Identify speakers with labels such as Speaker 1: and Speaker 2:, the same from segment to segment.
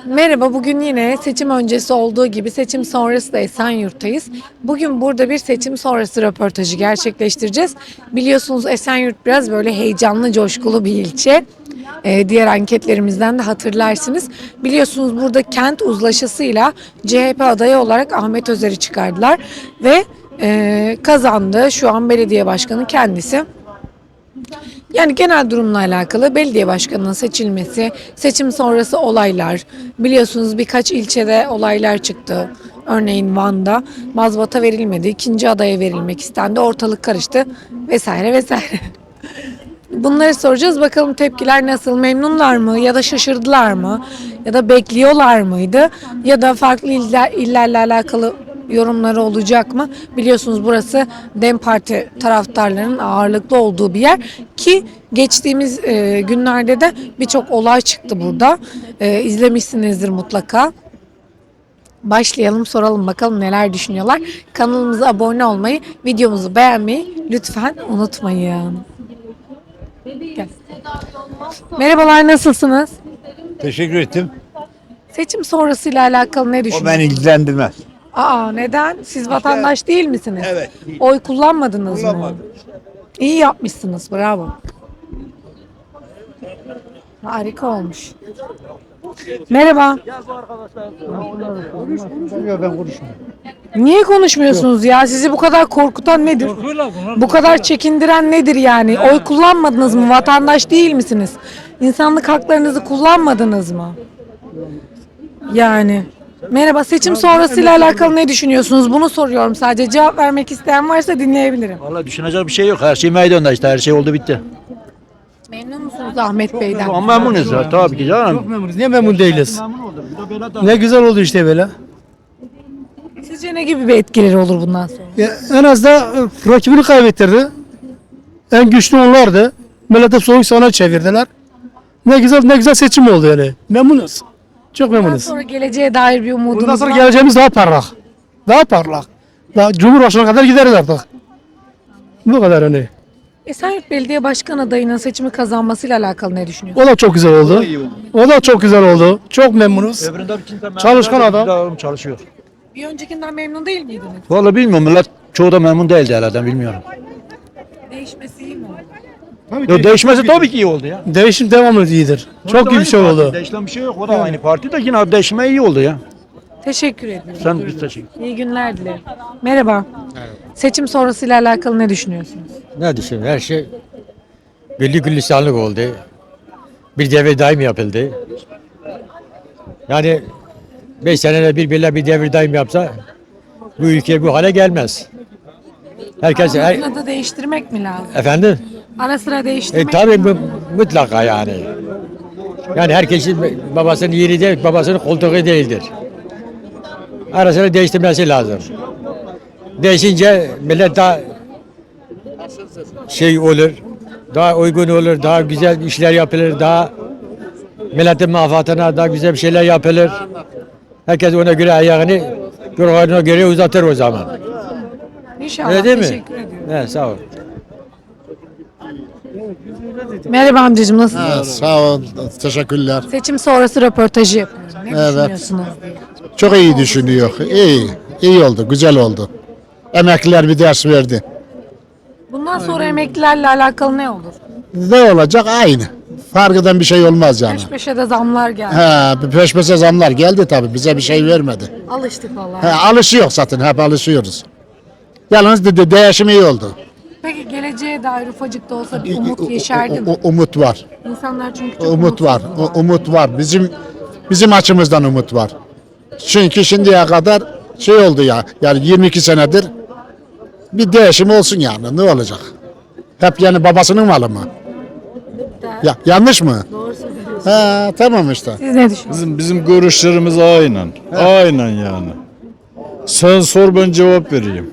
Speaker 1: Merhaba, bugün yine seçim öncesi olduğu gibi seçim sonrası da Esenyurt'tayız. Bugün burada bir seçim sonrası röportajı gerçekleştireceğiz. Biliyorsunuz Esenyurt biraz böyle heyecanlı, coşkulu bir ilçe. Diğer anketlerimizden de hatırlarsınız. Biliyorsunuz burada kent uzlaşısıyla CHP adayı olarak Ahmet Özer'i çıkardılar ve kazandı. Şu an belediye başkanı kendisi. Yani genel durumla alakalı belediye başkanının seçilmesi, seçim sonrası olaylar, biliyorsunuz birkaç ilçede olaylar çıktı. Örneğin Van'da mazbata verilmedi, ikinci adaya verilmek istendi, ortalık karıştı vesaire vesaire. Bunları soracağız. Bakalım tepkiler nasıl? Memnunlar mı? Ya da şaşırdılar mı? Ya da bekliyorlar mıydı? Ya da farklı illerle alakalı yorumları olacak mı? Biliyorsunuz burası DEM Parti taraftarlarının ağırlıklı olduğu bir yer ki geçtiğimiz günlerde de birçok olay çıktı burada. İzlemişsinizdir mutlaka. Başlayalım, soralım bakalım neler düşünüyorlar. Kanalımıza abone olmayı, videomuzu beğenmeyi lütfen unutmayın. Gel. Merhabalar, nasılsınız?
Speaker 2: Teşekkür ettim.
Speaker 1: Seçim sonrasıyla alakalı ne
Speaker 2: O
Speaker 1: düşünüyorsunuz?
Speaker 2: beni ilgilendirmez.
Speaker 1: Aa, neden? Siz vatandaş değil misiniz?
Speaker 2: Evet.
Speaker 1: Oy kullanmadınız mı?
Speaker 2: Kullanmadım.
Speaker 1: İyi yapmışsınız, bravo. Harika olmuş. Merhaba. Niye konuşmuyorsunuz ya? Sizi bu kadar korkutan nedir? Bu kadar çekindiren nedir yani? Oy kullanmadınız mı? Vatandaş değil misiniz? İnsanlık haklarınızı kullanmadınız mı? Yani. Merhaba, seçim sonrasıyla alakalı ne düşünüyorsunuz? Bunu soruyorum sadece. Cevap vermek isteyen varsa dinleyebilirim.
Speaker 3: Vallahi düşünecek bir şey yok. Her şey meydanda işte. Her şey oldu bitti.
Speaker 1: Memnun musunuz Ahmet Bey'den?
Speaker 3: Ama memnunuz ya. Tabii ki canım.
Speaker 4: Memnunuz. Niye memnun değiliz? Ne güzel oldu işte böyle.
Speaker 1: Sizce ne gibi bir etkileri olur bundan sonra?
Speaker 4: Ya, en az da rakibini kaybettirdi. En güçlü onlardı. Millete soğuk sana çevirdiler. Ne güzel seçim oldu yani. Memnunuz. Çok
Speaker 1: Bundan
Speaker 4: memnunuz.
Speaker 1: sonra geleceğe dair bir umudunuz
Speaker 4: Bundan sonra
Speaker 1: var.
Speaker 4: geleceğimiz daha parlak. Daha parlak. Daha Cumhurbaşkanı kadar gideriz artık. Bu kadar hani.
Speaker 1: Esenyurt Belediye Başkan adayının seçimi kazanmasıyla alakalı ne düşünüyorsunuz?
Speaker 4: O da çok güzel oldu. O da çok güzel oldu. Çok memnunuz.
Speaker 3: Öbüründe bir kimse memnun
Speaker 4: Çalışkan
Speaker 3: değil,
Speaker 4: adam.
Speaker 3: bir daha çalışıyor.
Speaker 1: Bir öncekinden memnun değil miydiniz?
Speaker 3: Vallahi bilmiyorum. Millet çoğu da memnun değildi herhalde. Bilmiyorum.
Speaker 1: Değişmesi iyi mi?
Speaker 3: Ya değişmesi tabii ki iyi oldu ya.
Speaker 4: Değişim devamlı iyidir. Çok iyi bir şey oldu.
Speaker 3: Değişen bir şey yok. O da aynı parti de yine değişme iyi oldu ya.
Speaker 1: Teşekkür ederim.
Speaker 3: Sen biz teşekkür.
Speaker 1: İyi günler dilerim. Merhaba. Seçim sonrasıyla alakalı ne düşünüyorsunuz?
Speaker 5: Ne düşünüyorum? Her şey güllük gülistanlık oldu. Bir devir daim yapıldı. Yani 5 senede bir devir daim yapsa bu ülke bu hale gelmez. Herkes
Speaker 1: Ana sıra değiştirmek mi lazım?
Speaker 5: efendim
Speaker 1: Ara sıra değiştirmek
Speaker 5: tabii mutlaka yani. Yani herkesin babasının yeri değil, babasının koltuğu değildir. Arasını değiştirmesi lazım. Değişince millet daha şey olur, daha uygun olur, daha güzel işler yapılır, daha milletin menfaatine daha güzel bir şeyler yapılır. Herkes ona göre ayağını yorganına göre uzatır o zaman.
Speaker 1: İnşallah.
Speaker 5: Öyle değil mi?
Speaker 1: Teşekkür ediyorum.
Speaker 5: Evet, sağ ol.
Speaker 1: Merhaba amcacığım, nasılsınız?
Speaker 6: Ha, sağ ol, teşekkürler.
Speaker 1: Seçim sonrası röportajı yapıyorum. Ne
Speaker 6: Evet.
Speaker 1: düşünüyorsunuz diye.
Speaker 6: Çok iyi düşünüyor. İyi oldu, güzel oldu. Emekliler bir ders verdi.
Speaker 1: Bundan sonra emeklilerle alakalı ne olur?
Speaker 6: Ne olacak? Aynı. Farkından bir şey olmaz yani.
Speaker 1: Peş peşe de zamlar geldi.
Speaker 6: Ha, peş peşe zamlar geldi tabii, bize bir şey vermedi.
Speaker 1: Alıştık vallahi.
Speaker 6: Ha, alışıyor zaten, hep alışıyoruz. Yalnız değişim iyi oldu.
Speaker 1: Peki geleceğe dair ufacık da olsa bir umut yeşerdi mi?
Speaker 6: Umut var.
Speaker 1: İnsanlar çünkü çok
Speaker 6: Umut var.
Speaker 1: umutsuzdular.
Speaker 6: Umut var. Bizim açımızdan umut var. Çünkü şimdiye kadar şey oldu ya. Yani 22 senedir bir değişim olsun yani. Ne olacak? Hep yani babasının malı mı? Ya yanlış mı?
Speaker 1: Doğru söylüyorsunuz.
Speaker 6: Ha, tamam işte.
Speaker 1: Siz ne düşünüyorsunuz?
Speaker 2: Bizim görüşlerimiz aynen. Aynen yani. Sen sor ben cevap vereyim.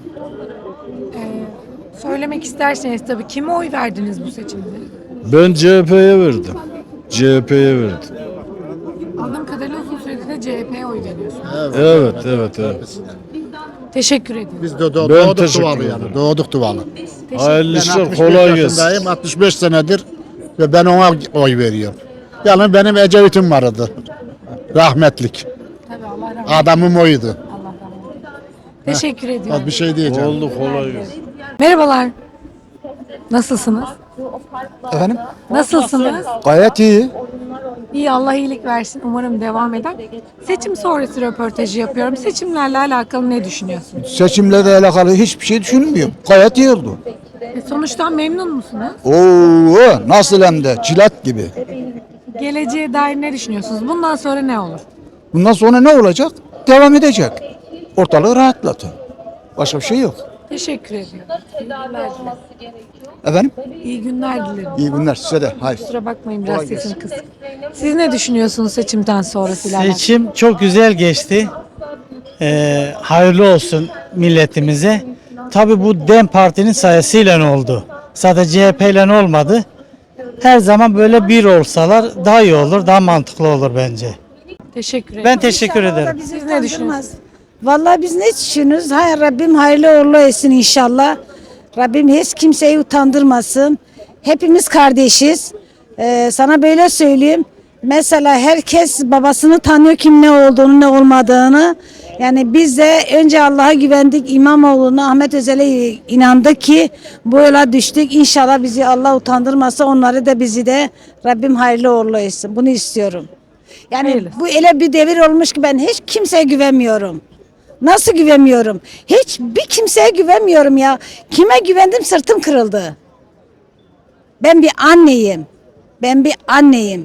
Speaker 1: Söylemek isterseniz tabii kime oy verdiniz bu seçimde?
Speaker 2: Ben CHP'ye verdim. CHP'ye verdim.
Speaker 1: Anladığım kadarıyla uzun süredir de CHP'ye oy veriyorsunuz.
Speaker 2: Evet.
Speaker 1: Teşekkür ediyorum.
Speaker 6: Biz
Speaker 2: Ben
Speaker 6: doğduk
Speaker 2: teşekkür
Speaker 6: duvalı
Speaker 2: ederim.
Speaker 6: yani. Doğduk duvalı.
Speaker 2: Hayırlı
Speaker 6: Ben
Speaker 2: işler,
Speaker 6: 65
Speaker 2: kolay
Speaker 6: yaşındayım,
Speaker 2: gelsin.
Speaker 6: 65 senedir ve ben ona oy veriyorum. Yani benim Ecevit'im vardı. Rahmetlik.
Speaker 1: Tabii Allah rahmet eylesin.
Speaker 6: Adamım oydu.
Speaker 1: Allah rahmet eylesin. Teşekkür ediyorum.
Speaker 6: Bir şey diyeceğim.
Speaker 2: Oldu kolay gelsin.
Speaker 1: Merhabalar. Nasılsınız?
Speaker 7: Efendim?
Speaker 1: Nasılsınız?
Speaker 7: Gayet iyi.
Speaker 1: İyi, Allah iyilik versin. Umarım devam eder. Seçim sonrası röportajı yapıyorum. Seçimlerle alakalı ne düşünüyorsunuz?
Speaker 7: Seçimlerle alakalı hiçbir şey düşünmüyorum. Gayet iyi oldu.
Speaker 1: Sonuçtan memnun musunuz?
Speaker 7: Oo, nasıl hem de cilat gibi.
Speaker 1: Geleceğe dair ne düşünüyorsunuz? Bundan sonra ne olur?
Speaker 7: Bundan sonra ne olacak? Devam edecek. Ortalığı rahatlatın. Başka bir şey yok.
Speaker 1: Teşekkür ediyorum. İyi günler dilerim.
Speaker 7: Efendim?
Speaker 1: İyi günler dilerim.
Speaker 7: İyi günler size de. Hayır.
Speaker 1: Kusura bakmayın, biraz sesim kısık. Siz ne düşünüyorsunuz seçimden sonrasıyla alakalı?
Speaker 8: Seçim çok güzel geçti. Hayırlı olsun milletimize. Tabii bu DEM Parti'nin sayesıyla oldu. Sadece CHP ile olmadı. Her zaman böyle bir olsalar daha iyi olur, daha mantıklı olur bence.
Speaker 1: Teşekkür ederim.
Speaker 8: Ben teşekkür ederim.
Speaker 1: Siz ne düşünüyorsunuz?
Speaker 9: Vallahi biz ne düşünüyoruz? Hayır, Rabbim hayırlı uğurlu etsin inşallah. Rabbim hiç kimseyi utandırmasın. Hepimiz kardeşiz. Sana böyle söyleyeyim. Mesela herkes babasını tanıyor, kim ne olduğunu ne olmadığını. Yani biz de önce Allah'a güvendik, İmamoğlu'na, Ahmet Özel'e inandık ki bu yola düştük. İnşallah bizi Allah utandırmasa, onları da bizi de Rabbim hayırlı uğurlu etsin. Bunu istiyorum. Yani
Speaker 1: Hayırlısı.
Speaker 9: bu öyle bir devir olmuş ki ben hiç kimseye güvenmiyorum. Nasıl güvenmiyorum? Hiçbir kimseye güvenmiyorum ya. Kime güvendim sırtım kırıldı. Ben bir anneyim. Ben bir anneyim.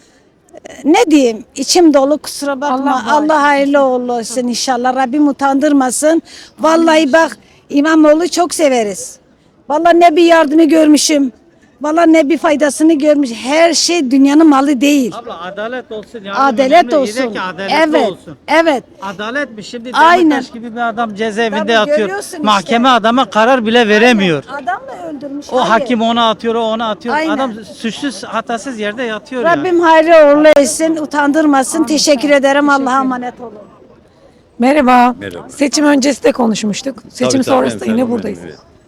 Speaker 9: Ne diyeyim? İçim dolu, kusura bakma. Allah hayırlı uğurlu olsun inşallah. Rabbim utandırmasın. Vallahi bak, İmamoğlu çok severiz. Vallahi ne bir yardımı görmüşüm. Vallahi ne bir faydasını görmüş. Her şey dünyanın malı değil.
Speaker 8: Abla adalet olsun.
Speaker 9: Adalet olsun. Evet. Evet.
Speaker 8: Adalet mi? Şimdi
Speaker 9: Aynen.
Speaker 8: Demirtaş gibi bir adam cezaevinde
Speaker 9: Tabii
Speaker 8: yatıyor.
Speaker 9: görüyorsun işte.
Speaker 8: Mahkeme adama karar bile veremiyor.
Speaker 9: Adam mı öldürmüş?
Speaker 8: O
Speaker 9: Hayır.
Speaker 8: hakim onu atıyor, o onu atıyor.
Speaker 9: Aynen.
Speaker 8: Adam suçsuz, hatasız yerde yatıyor yani.
Speaker 9: Rabbim hayırlı uğurlu etsin, utandırmasın. Teşekkür ederim. Allah'a emanet olun.
Speaker 1: Merhaba. Seçim öncesi de konuşmuştuk. Seçim sonrası da yine buradayız.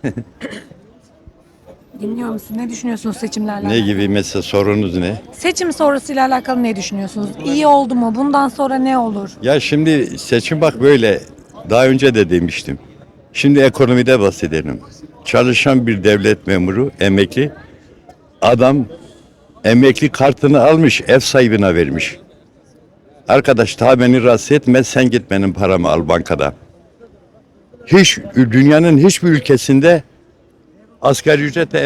Speaker 1: Dinliyor musun? Ne düşünüyorsunuz seçimlerle
Speaker 10: Ne
Speaker 1: alakalı?
Speaker 10: gibi mesela sorunuz ne?
Speaker 1: Seçim sonrasıyla alakalı ne düşünüyorsunuz? İyi oldu mu? Bundan sonra ne olur?
Speaker 10: Ya şimdi seçim bak böyle daha önce de demiştim. Şimdi ekonomide bahsedelim. Çalışan bir devlet memuru, emekli adam emekli kartını almış, ev sahibine vermiş. Arkadaş daha beni rahatsız etme, sen git benim paramı al bankadan. Hiç dünyanın hiçbir ülkesinde asgari ücretle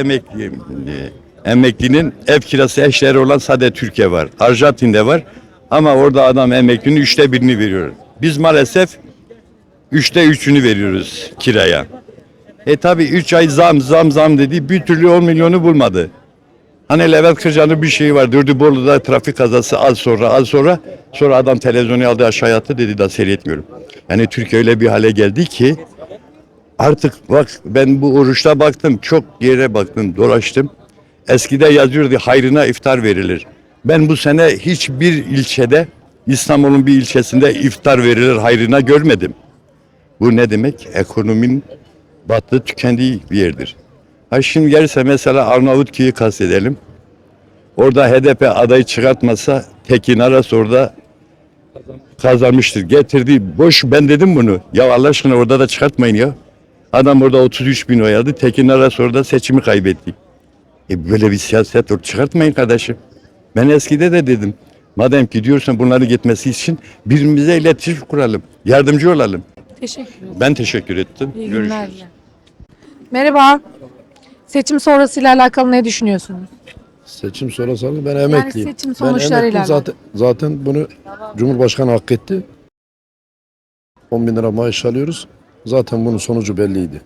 Speaker 10: emeklinin ev kirası eşdeğeri olan sadece Türkiye var. Arjantin'de var ama orada adam emeklinin 1/3'ünü veriyor. Biz maalesef 3/3'ünü veriyoruz kiraya. Tabi 3 ay zam dedi, bir türlü 10 milyonu bulmadı. Hani Levent Kırca'nın bir şeyi var, Bolu'da trafik kazası az sonra adam televizyonu aldı aşağı attı dedi da seyretmiyorum. Yani Türkiye öyle bir hale geldi ki artık bak ben bu oruçta baktım, çok yere baktım, dolaştım. Eskide yazıyordu hayrına iftar verilir. Ben bu sene hiçbir ilçede, İstanbul'un bir ilçesinde iftar verilir hayrına görmedim. Bu ne demek? Ekonominin battığı, tükendiği bir yerdir. Ha şimdi gelirse mesela Arnavutköy'ü kastedelim. Orada HDP adayı çıkartmasa Tekin Aras orada kazanmıştır. Getirdi. Boş ben dedim bunu. Ya Allah aşkına orada da çıkartmayın ya. Adam orada 33 bin oy aldı. Tekin Aras orada seçimi kaybetti. Böyle bir siyaset çıkartmayın kardeşim. Ben eskide de dedim. Madem ki diyorsan bunları gitmesi için birbirimize iletişim kuralım. Yardımcı olalım.
Speaker 1: Teşekkür ederim.
Speaker 10: Ben teşekkür ettim.
Speaker 1: İyi
Speaker 10: Görüşürüz.
Speaker 1: günler dilerim. Merhaba. Seçim sonrasıyla alakalı ne düşünüyorsunuz?
Speaker 11: Seçim sonrası ben emekliyim.
Speaker 1: seçim
Speaker 11: Ben
Speaker 1: sonuçlarıyla
Speaker 11: emekliyim zaten bunu Cumhurbaşkanı hak etti. 10 bin lira maaş alıyoruz. Zaten bunun sonucu belliydi.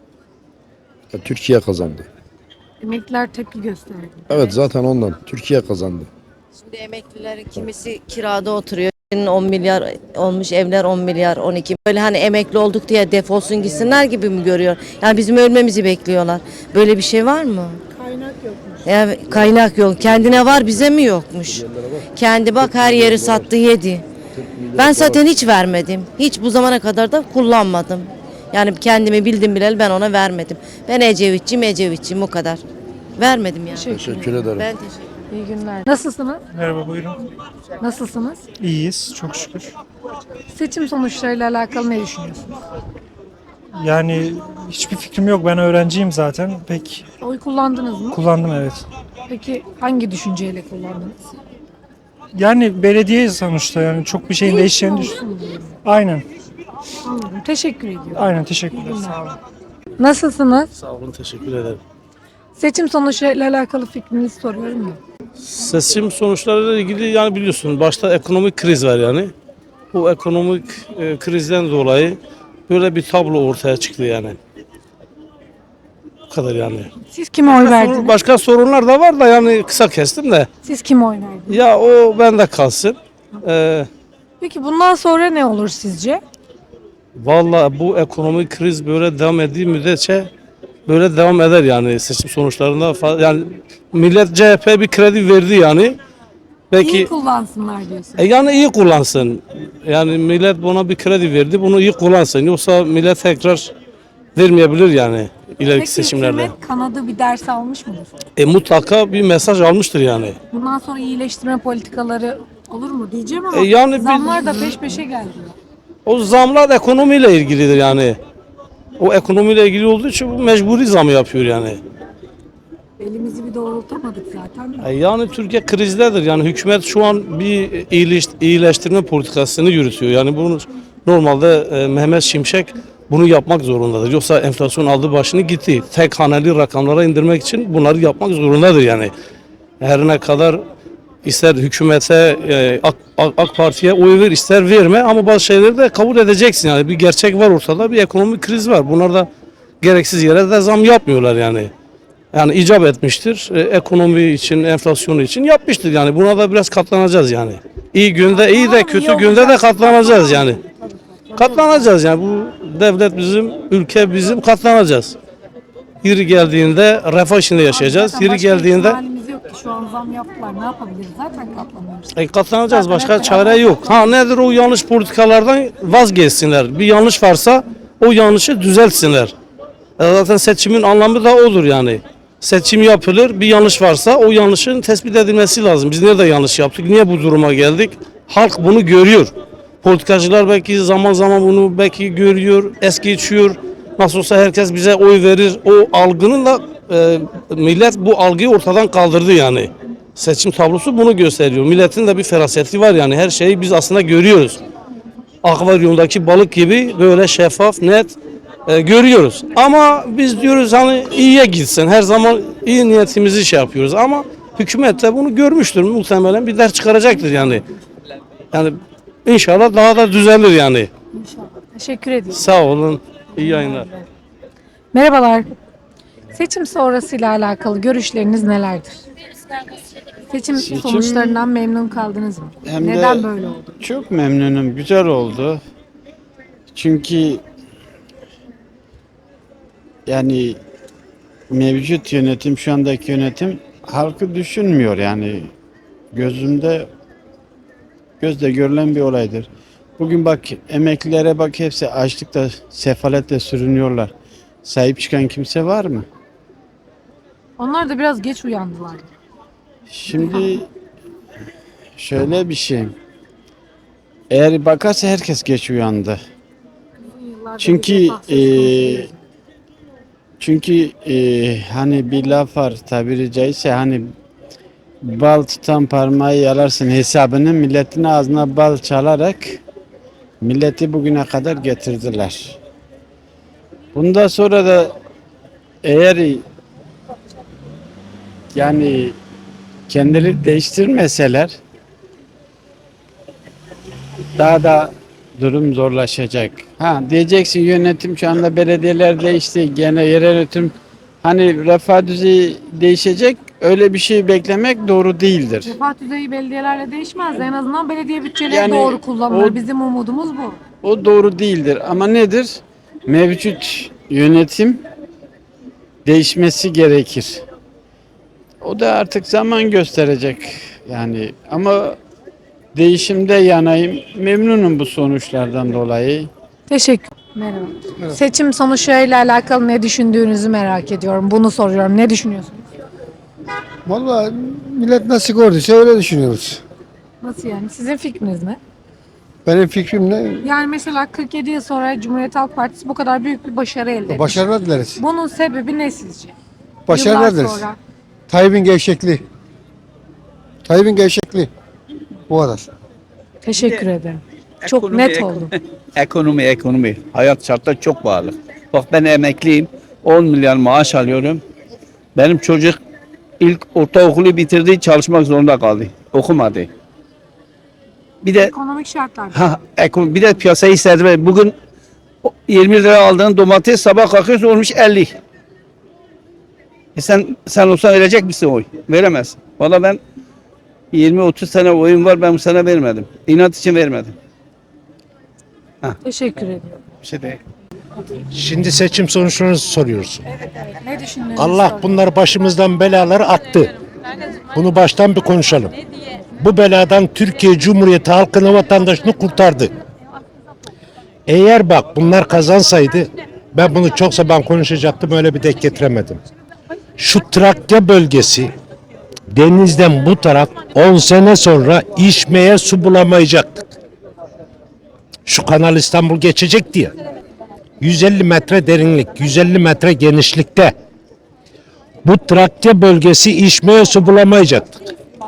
Speaker 11: Türkiye kazandı.
Speaker 1: Emekliler tepki gösterdi.
Speaker 11: Evet zaten ondan. Türkiye kazandı.
Speaker 12: Şimdi emeklilerin kimisi kirada oturuyor. 10 milyar olmuş evler 10 milyar 12. Böyle hani emekli olduk diye defolsun gitsinler gibi mi görüyor? Yani bizim ölmemizi bekliyorlar. Böyle bir şey var mı?
Speaker 1: Kaynak yokmuş.
Speaker 12: Yani kaynak yok. Kendine var bize mi yokmuş? Kendi bak her yeri sattı yedi. Ben zaten hiç vermedim. Hiç bu zamana kadar da kullanmadım. Yani kendimi bildim bileli ben ona vermedim. Ben Ecevitçiyim o kadar. Vermedim yani.
Speaker 11: Teşekkür ederim.
Speaker 12: Ben teşekkür ederim.
Speaker 1: İyi günler. Nasılsınız?
Speaker 4: Merhaba buyurun.
Speaker 1: Nasılsınız?
Speaker 4: İyiyiz çok şükür.
Speaker 1: Seçim sonuçlarıyla alakalı ne düşünüyorsunuz?
Speaker 4: Yani hiçbir fikrim yok. Ben öğrenciyim zaten. Pek
Speaker 1: Oy kullandınız mı?
Speaker 4: kullandım evet.
Speaker 1: Peki hangi düşünceyle kullandınız?
Speaker 4: Yani belediye sonuçta yani çok bir şeyin değişeceğini
Speaker 1: Değişim olsun diyorum.
Speaker 4: Aynen.
Speaker 1: Anladım. Teşekkür ediyorum.
Speaker 4: Aynen teşekkürler. Sağ olun.
Speaker 1: Nasılsınız?
Speaker 3: Sağ olun, teşekkür ederim.
Speaker 1: Seçim sonuçlarıyla alakalı fikrinizi soruyorum ya.
Speaker 3: Seçim sonuçlarıyla ilgili yani biliyorsun başta ekonomik kriz var yani. Bu ekonomik krizden dolayı böyle bir tablo ortaya çıktı yani. Bu kadar yani.
Speaker 1: Siz kime oy verdiniz?
Speaker 3: Başka sorunlar da var da yani kısa kestim de.
Speaker 1: Siz kime oy verdiniz?
Speaker 3: Ya o bende kalsın.
Speaker 1: Peki bundan sonra ne olur sizce?
Speaker 3: Vallahi bu ekonomik kriz böyle devam ettiği müddetçe böyle devam eder yani seçim sonuçlarında yani millet CHP bir kredi verdi yani. Belki
Speaker 1: İyi kullansınlar diyorsun.
Speaker 3: yani iyi kullansın. Yani millet buna bir kredi verdi. Bunu iyi kullansın. Yoksa millet tekrar vermeyebilir yani ileriki
Speaker 1: Peki
Speaker 3: seçimlerde.
Speaker 1: hükümet kanadı bir ders almış mıdır?
Speaker 3: Mutlaka bir mesaj almıştır yani.
Speaker 1: Bundan sonra iyileştirme politikaları olur mu diyeceğim ama
Speaker 3: Yani
Speaker 1: zamlar da peş peşe geldi.
Speaker 3: o zamlar ekonomiyle ilgilidir yani. O ekonomiyle ilgili olduğu için bu mecburi zam yapıyor yani.
Speaker 1: Elimizi bir doğrultamadık zaten.
Speaker 3: Yani Türkiye krizdedir. Yani hükümet şu an bir iyileştirme politikasını yürütüyor. Yani bunu normalde Mehmet Şimşek bunu yapmak zorundadır. Yoksa enflasyon aldı başını gitti. Tek haneli rakamlara indirmek için bunları yapmak zorundadır yani. Her ne kadar ister hükümete, AK Parti'ye oy ver, ister verme ama bazı şeyleri de kabul edeceksin. Yani bir gerçek var ortada, bir ekonomik kriz var. Bunlar da gereksiz yere de zam yapmıyorlar yani. Yani icap etmiştir. Ekonomi için, enflasyonu için yapmıştır yani. Buna da biraz katlanacağız yani. İyi günde iyi de kötü günde de katlanacağız yani. Katlanacağız yani. Bu devlet bizim, ülke bizim, katlanacağız. Yeri geldiğinde refah içinde yaşayacağız. Yeri geldiğinde
Speaker 1: Halimiz yok ki şu an zam yaptılar. Ne yapabiliriz? Zaten katlanıyoruz.
Speaker 3: katlanacağız.
Speaker 1: Zaten
Speaker 3: Başka
Speaker 1: hep
Speaker 3: çare
Speaker 1: beraber
Speaker 3: yok. Ha nedir o yanlış politikalardan vazgeçsinler. Bir yanlış varsa o yanlışı düzeltsinler. Zaten seçimin anlamı da odur yani. Seçim yapılır, bir yanlış varsa o yanlışın tespit edilmesi lazım. Biz nerede yanlış yaptık, niye bu duruma geldik? Halk bunu görüyor. Politikacılar belki zaman zaman bunu belki görüyor, es geçiyor. Nasıl olsa herkes bize oy verir. O algının da millet bu algıyı ortadan kaldırdı yani. Seçim tablosu bunu gösteriyor. Milletin de bir feraseti var yani. Her şeyi biz aslında görüyoruz. Akvaryumdaki balık gibi böyle şeffaf, net görüyoruz. Ama biz diyoruz hani iyiye gitsin. Her zaman iyi niyetimizi şey yapıyoruz ama hükümet de bunu görmüştür. Muhtemelen bir ders çıkaracaktır yani. Yani inşallah daha da düzelir yani.
Speaker 1: İnşallah. Teşekkür ediyorum.
Speaker 3: Sağ olun. İyi yayınlar.
Speaker 1: Merhabalar. Seçim sonrasıyla alakalı görüşleriniz nelerdir? Seçim sonuçlarından memnun kaldınız mı?
Speaker 13: Hem de
Speaker 1: Neden böyle oldu?
Speaker 13: çok memnunum. Güzel oldu. Çünkü yani mevcut yönetim, şu andaki yönetim halkı düşünmüyor yani. Gözle görülen bir olaydır. Bugün bak emeklilere bak hepsi açlıkta, sefaletle sürünüyorlar. Sahip çıkan kimse var mı?
Speaker 1: Onlar da biraz geç uyandılar.
Speaker 13: Şimdi şöyle bir şey. Eğer bakarsa herkes geç uyandı.
Speaker 1: Yıllardır
Speaker 13: Çünkü
Speaker 1: bir refah söz konusu.
Speaker 13: çünkü hani bir laf var tabiri caizse hani bal tutan parmağı yalarsın hesabını milletin ağzına bal çalarak milleti bugüne kadar getirdiler. Bundan sonra da eğer yani kendileri değiştirmeseler daha da durum zorlaşacak. Ha diyeceksin yönetim şu anda belediyeler değişti. Gene yerel yönetim hani refah düzeyi değişecek. Öyle bir şey beklemek doğru değildir.
Speaker 1: Refah düzeyi belediyelerle değişmez. En azından belediye bütçeleri
Speaker 13: Yani
Speaker 1: doğru kullanılır.
Speaker 13: o-
Speaker 1: Bizim umudumuz bu.
Speaker 13: O doğru değildir. Ama nedir? Mevcut yönetim değişmesi gerekir. O da artık zaman gösterecek. Yani ama değişimde yanayım. Memnunum bu sonuçlardan dolayı.
Speaker 1: Teşekkür. Merhaba. Seçim sonuçlarıyla alakalı ne düşündüğünüzü merak ediyorum. Bunu soruyorum. Ne düşünüyorsunuz?
Speaker 4: Vallahi millet nasıl gördüyse öyle düşünüyoruz.
Speaker 1: Nasıl yani? Sizin fikriniz ne?
Speaker 4: Benim fikrim ne?
Speaker 1: Yani mesela 47 yıl sonra Cumhuriyet Halk Partisi bu kadar büyük bir başarı elde etmiş.
Speaker 4: Başarılar dileriz.
Speaker 1: Bunun sebebi ne sizce?
Speaker 4: Başarılar
Speaker 1: Yıllar
Speaker 4: dileriz.
Speaker 1: sonra.
Speaker 4: Tayyip'in gevşekliği. Tayyip'in gevşekliği. Bu kadar.
Speaker 1: Teşekkür ederim. Çok net oldu.
Speaker 13: Ekonomi. Hayat şartları çok pahalı. Bak ben emekliyim. 10 milyar maaş alıyorum. Benim çocuk ilk ortaokulu bitirdi, çalışmak zorunda kaldı. Okumadı. Bir de
Speaker 1: Ekonomik şartlar.
Speaker 13: bir de piyasayı serve. Bugün 20 lira aldığın domates sabah kalkıyorsun olmuş 50. Sen olsan verecek misin oy? Veremezsin. Valla ben 20-30 sene oyum var, ben bu sene vermedim. İnat için vermedim.
Speaker 1: Teşekkür ediyorum.
Speaker 13: Bir şey değil.
Speaker 4: Şimdi seçim sonuçlarını soruyoruz.
Speaker 1: Ne düşünüyorsunuz?
Speaker 4: Allah bunları başımızdan belaları attı. Bunu baştan bir konuşalım. Bu beladan Türkiye Cumhuriyeti halkını, vatandaşını kurtardı. Eğer bak bunlar kazansaydı, ben bunu çok zaman konuşacaktım, öyle bir denk getiremedim. Şu Trakya bölgesi denizden bu taraf 10 sene sonra içmeye su bulamayacaktık. Şu Kanal İstanbul geçecek diye. 150 metre derinlik, 150 metre genişlikte. Bu Trakya bölgesi içmeye su bulamayacaktık.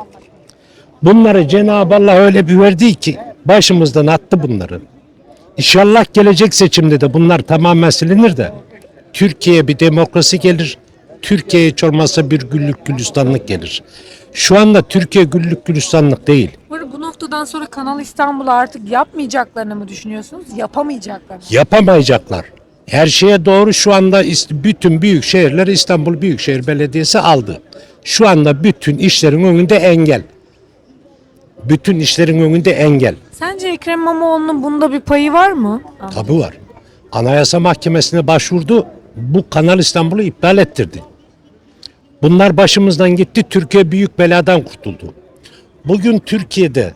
Speaker 4: Bunları Cenab-ı Allah öyle bir verdi ki başımızdan attı bunları. İnşallah gelecek seçimde de bunlar tamamen silinir de Türkiye'ye bir demokrasi gelir. Türkiye'ye hiç olmazsa bir güllük gülistanlık gelir. Şu anda Türkiye güllük gülistanlık değil.
Speaker 1: Bu noktadan sonra Kanal İstanbul'u artık yapmayacaklarını mı düşünüyorsunuz? Yapamayacaklarını.
Speaker 4: Yapamayacaklar. Her şeye doğru şu anda bütün büyük şehirleri İstanbul Büyükşehir Belediyesi aldı. Şu anda bütün işlerin önünde engel. Bütün işlerin önünde engel.
Speaker 1: Sence Ekrem İmamoğlu'nun bunda bir payı var mı?
Speaker 4: Tabii var. Anayasa Mahkemesi'ne başvurdu. Bu Kanal İstanbul'u iptal ettirdi. Bunlar başımızdan gitti. Türkiye büyük beladan kurtuldu. Bugün Türkiye'de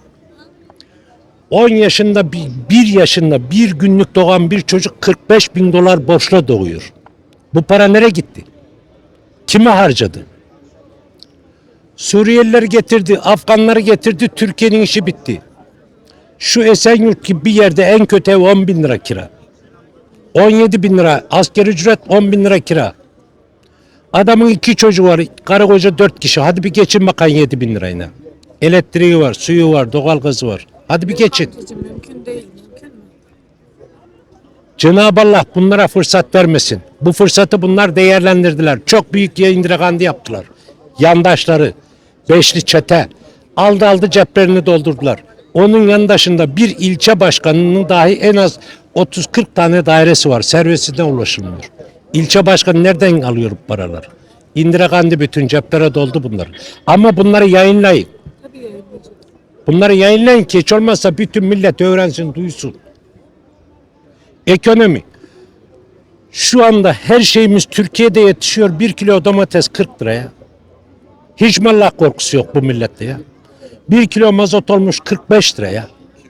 Speaker 4: 10 yaşında, 1 yaşında bir günlük doğan bir çocuk 45 bin dolar borçla doğuyor. Bu para nereye gitti? Kime harcadı? Suriyelileri getirdi, Afganları getirdi, Türkiye'nin işi bitti. Şu Esenyurt gibi bir yerde en kötü ev 10 bin lira kira. 17 bin lira asgari ücret, 10 bin lira kira. Adamın 2 çocuğu var, karı koca 4 kişi. Hadi bir geçin bakayım 7 bin lirayla. Elektriği var, suyu var, doğalgazı var. Hadi bir geçin.
Speaker 1: Mümkün değil. Mümkün mü?
Speaker 4: Cenab-ı Allah bunlara fırsat vermesin. Bu fırsatı bunlar değerlendirdiler. Çok büyük indirakandi yaptılar. Yandaşları, beşli çete aldı ceplerini doldurdular. Onun yandaşında bir ilçe başkanının dahi en az 30-40 tane dairesi var. Servisine ulaşılmıyor. İlçe başkanı nereden alıyor bu paraları? İndirakandi bütün ceplere doldu bunlar. Ama bunları yayınlayın. Bunları yayınlayın ki hiç olmazsa bütün millet öğrensin, duysun. Ekonomi. Şu anda her şeyimiz Türkiye'de yetişiyor. 1 kilo domates 40 liraya. Hiç mi Allah korkusu yok bu millette ya? 1 kilo mazot olmuş 45 liraya.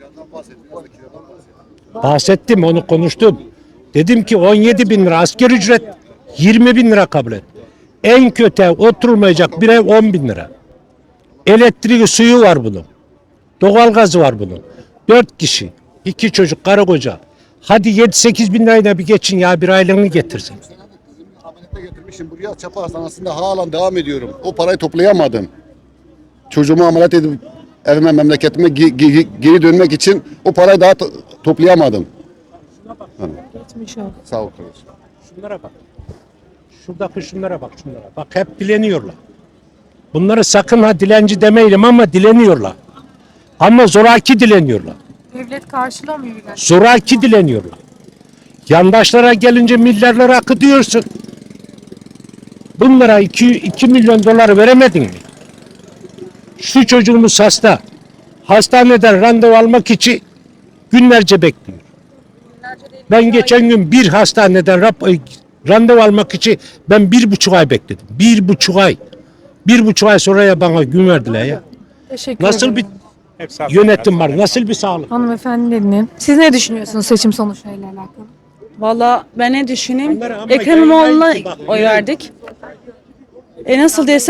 Speaker 4: Bahsettim, onu konuştum. Dedim ki 17 bin lira asgari ücret, 20 bin lira kabul et. En kötü ev, oturulmayacak bir ev 10 bin lira. Elektriği, suyu var bunun. Doğalgazı var bunun. 4 kişi, 2 çocuk, karı koca. Hadi 7-8 bin lirayla bir geçin ya, bir aylığını getirsin.
Speaker 6: Getirmişim buraya, Çapa Hastanesi'nde halen devam ediyorum. O parayı toplayamadım. Çocuğumu ameliyat edip evime, memleketime geri dönmek için o parayı daha toplayamadım.
Speaker 1: Geçmiş olsun.
Speaker 6: Sağ ol kardeşim.
Speaker 4: Şunlara bak. Şuradaki şunlara bak, şunlara. Bak hep dileniyorlar. Bunları sakın ha dilenci demeyelim ama dileniyorlar. Ama zoraki dileniyorlar.
Speaker 1: Devlet karşılamıyor bile.
Speaker 4: Zoraki dileniyorlar. Yandaşlara gelince milyarlara akı diyorsun. Bunlara 2 milyon dolar veremedin mi? Şu çocuğumuz hasta. Hastaneden randevu almak için günlerce bekliyor. Ben geçen gün bir hastaneden randevu almak için ben 1,5 ay bekledim. 1,5 ay. 1,5 ay sonra ya bana gün verdiler ya.
Speaker 1: Teşekkür
Speaker 4: Nasıl bir yönetim var? Nasıl bir sağlık?
Speaker 1: Hanımefendinin. Siz ne düşünüyorsunuz seçim sonuçlarıyla alakalı?
Speaker 14: Valla ben ne düşüneyim?
Speaker 4: Onlara ama
Speaker 14: Ekrem İmamoğlu'na
Speaker 4: yayınlayın ki bak,
Speaker 14: oy verdik. Nasıl desem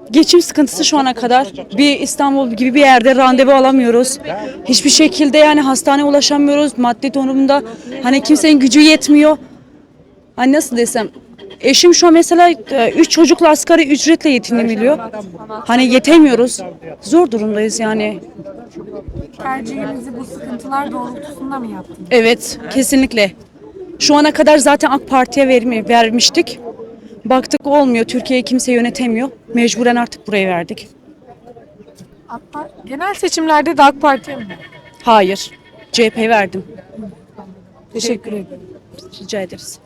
Speaker 14: Geçim sıkıntısı şu ana kadar. Bir İstanbul gibi bir yerde randevu alamıyoruz. Hiçbir şekilde yani hastaneye ulaşamıyoruz. Maddi durumda hani kimsenin gücü yetmiyor. Hani nasıl desem, eşim şu an mesela 3 çocukla asgari ücretle yetiniliyor. Hani yetemiyoruz. Zor durumdayız yani.
Speaker 1: Tercihinizi bu sıkıntılar doğrultusunda mı yaptınız?
Speaker 14: Evet, kesinlikle. Şu ana kadar zaten AK Parti'ye vermiştik. Baktık olmuyor. Türkiye'yi kimse yönetemiyor. Mecburen artık buraya verdik.
Speaker 1: Hatta genel seçimlerde de AK Parti'ye mi?
Speaker 14: Hayır. CHP'ye verdim.
Speaker 1: Teşekkür ederim.
Speaker 14: Rica ederiz.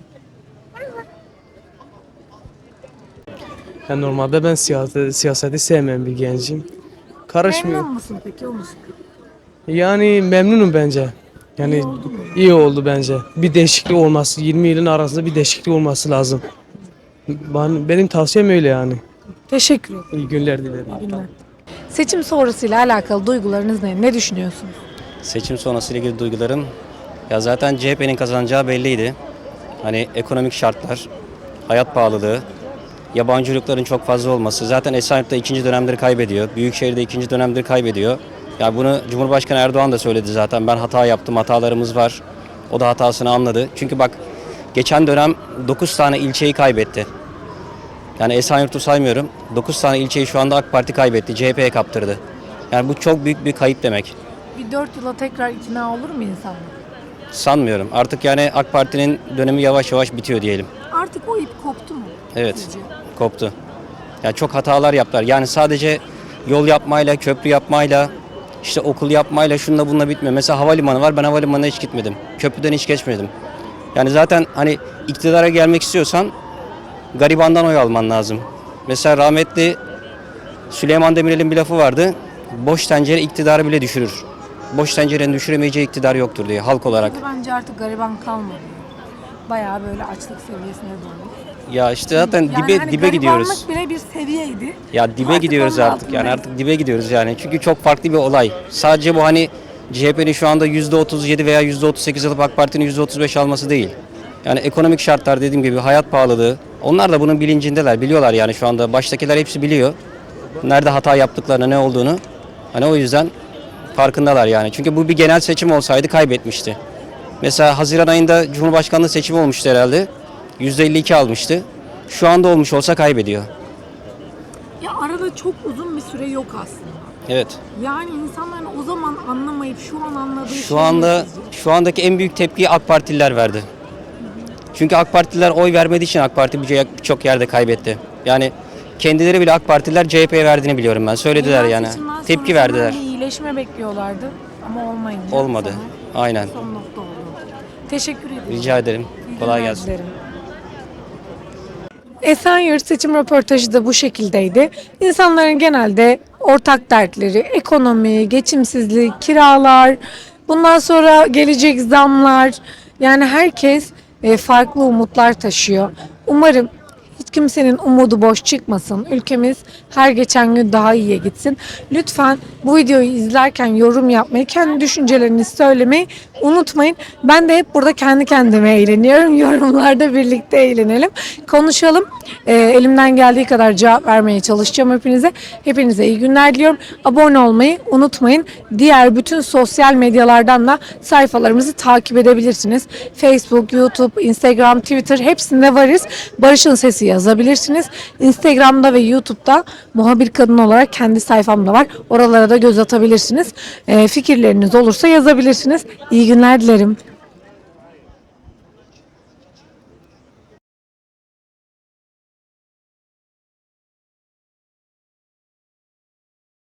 Speaker 3: Yani normalde ben siyaseti sevmeyen bir gencim. Karışmıyor.
Speaker 1: Memnun musun peki o musun?
Speaker 3: Yani memnunum bence. Yani iyi oldu bence. Bir değişiklik olması, 20 yılın arasında bir değişiklik olması lazım. Benim tavsiyem öyle yani.
Speaker 1: Teşekkür ederim.
Speaker 3: İyi günler dilerim.
Speaker 1: İyi günler. Seçim sonrasıyla alakalı duygularınız ne? Ne düşünüyorsunuz?
Speaker 5: Seçim sonrası ile ilgili duygularım, ya zaten CHP'nin kazanacağı belliydi. Hani ekonomik şartlar, hayat pahalılığı, yabancılıkların çok fazla olması. Zaten Esenyurt'ta ikinci dönemleri kaybediyor. Büyükşehir'de ikinci dönemleri kaybediyor. Ya bunu Cumhurbaşkanı Erdoğan da söyledi zaten. Ben hata yaptım, hatalarımız var. O da hatasını anladı. Çünkü bak, geçen dönem 9 tane ilçeyi kaybetti. Yani Esenyurt'u saymıyorum. 9 tane ilçeyi şu anda AK Parti kaybetti. CHP'ye kaptırdı. Yani bu çok büyük bir kayıp demek.
Speaker 1: Bir 4 yıla tekrar ikna olur mu insanlar?
Speaker 5: Sanmıyorum. Artık yani AK Parti'nin dönemi yavaş yavaş bitiyor diyelim.
Speaker 1: Artık o ip koptu mu?
Speaker 5: Evet,
Speaker 1: Sizce?
Speaker 5: koptu. Yani çok hatalar yaptılar. Yani sadece yol yapmayla, köprü yapmayla, işte okul yapmayla, şununla bununla bitmiyor. Mesela havalimanı var. Ben havalimanına hiç gitmedim. Köprüden hiç geçmedim. Yani zaten hani iktidara gelmek istiyorsan garibandan oy alman lazım. Mesela rahmetli Süleyman Demirel'in bir lafı vardı. Boş tencere iktidarı bile düşürür. Boş tencerenin düşüremeyeceği iktidar yoktur diye halk olarak.
Speaker 1: Bence artık gariban kalmadı. Bayağı böyle açlık seviyesine doğru.
Speaker 5: Ya işte zaten
Speaker 1: Yani hani
Speaker 5: dibe gidiyoruz.
Speaker 1: garibanlık bile bir seviyeydi.
Speaker 5: Ya dibe
Speaker 1: Artık
Speaker 5: gidiyoruz
Speaker 1: onun
Speaker 5: artık. Yani
Speaker 1: altındayız.
Speaker 5: artık dibe gidiyoruz yani. Çünkü çok farklı bir olay. Sadece bu hani CHP'nin şu anda %37 veya %38 alıp AK Parti'nin %35 alması değil. Yani ekonomik şartlar, dediğim gibi hayat pahalılığı. Onlar da bunun bilincindeler. Biliyorlar yani şu anda. Baştakiler hepsi biliyor. Nerede hata yaptıklarını, ne olduğunu. Hani o yüzden farkındalar yani. Çünkü bu bir genel seçim olsaydı kaybetmişti. Mesela Haziran ayında Cumhurbaşkanlığı seçimi olmuştu herhalde. %52 almıştı. Şu anda olmuş olsa kaybediyor.
Speaker 1: Ya arada çok uzun bir süre yok aslında.
Speaker 5: Evet.
Speaker 1: Yani insanların o zaman anlamayıp şu an anladığı
Speaker 5: Şu andaki en büyük tepkiyi AK Partililer verdi. Çünkü AK Partililer oy vermediği için AK Parti birçok yerde kaybetti. Yani kendileri bile AK Partililer CHP'ye verdiğini biliyorum ben. Söylediler yani. Tepki verdiler.
Speaker 1: Bir iyileşme bekliyorlardı ama olmayınca.
Speaker 5: Olmadı. Aynen.
Speaker 1: Son nokta oldu. Teşekkür ederim.
Speaker 5: Rica ederim.
Speaker 1: İyi
Speaker 5: Kolay
Speaker 1: günler
Speaker 5: gelsin.
Speaker 1: dilerim. Esenyurt seçim röportajı da bu şekildeydi. İnsanların genelde ortak dertleri, ekonomi, geçimsizlik, kiralar, bundan sonra gelecek zamlar, yani herkes farklı umutlar taşıyor. Umarım hiç kimsenin umudu boş çıkmasın. Ülkemiz her geçen gün daha iyiye gitsin. Lütfen bu videoyu izlerken yorum yapmayı, kendi düşüncelerinizi söylemeyi unutmayın. Ben de hep burada kendi kendime eğleniyorum. Yorumlarda birlikte eğlenelim. Konuşalım. Elimden geldiği kadar cevap vermeye çalışacağım hepinize. Hepinize iyi günler diliyorum. Abone olmayı unutmayın. Diğer bütün sosyal medyalardan da sayfalarımızı takip edebilirsiniz. Facebook, YouTube, Instagram, Twitter hepsinde varız. Barış'ın Sesi yazabilirsiniz. Instagram'da ve YouTube'da Muhabir Kadın olarak kendi sayfam da var. Oralara da göz atabilirsiniz. Fikirleriniz olursa yazabilirsiniz. İyi günler dilerim.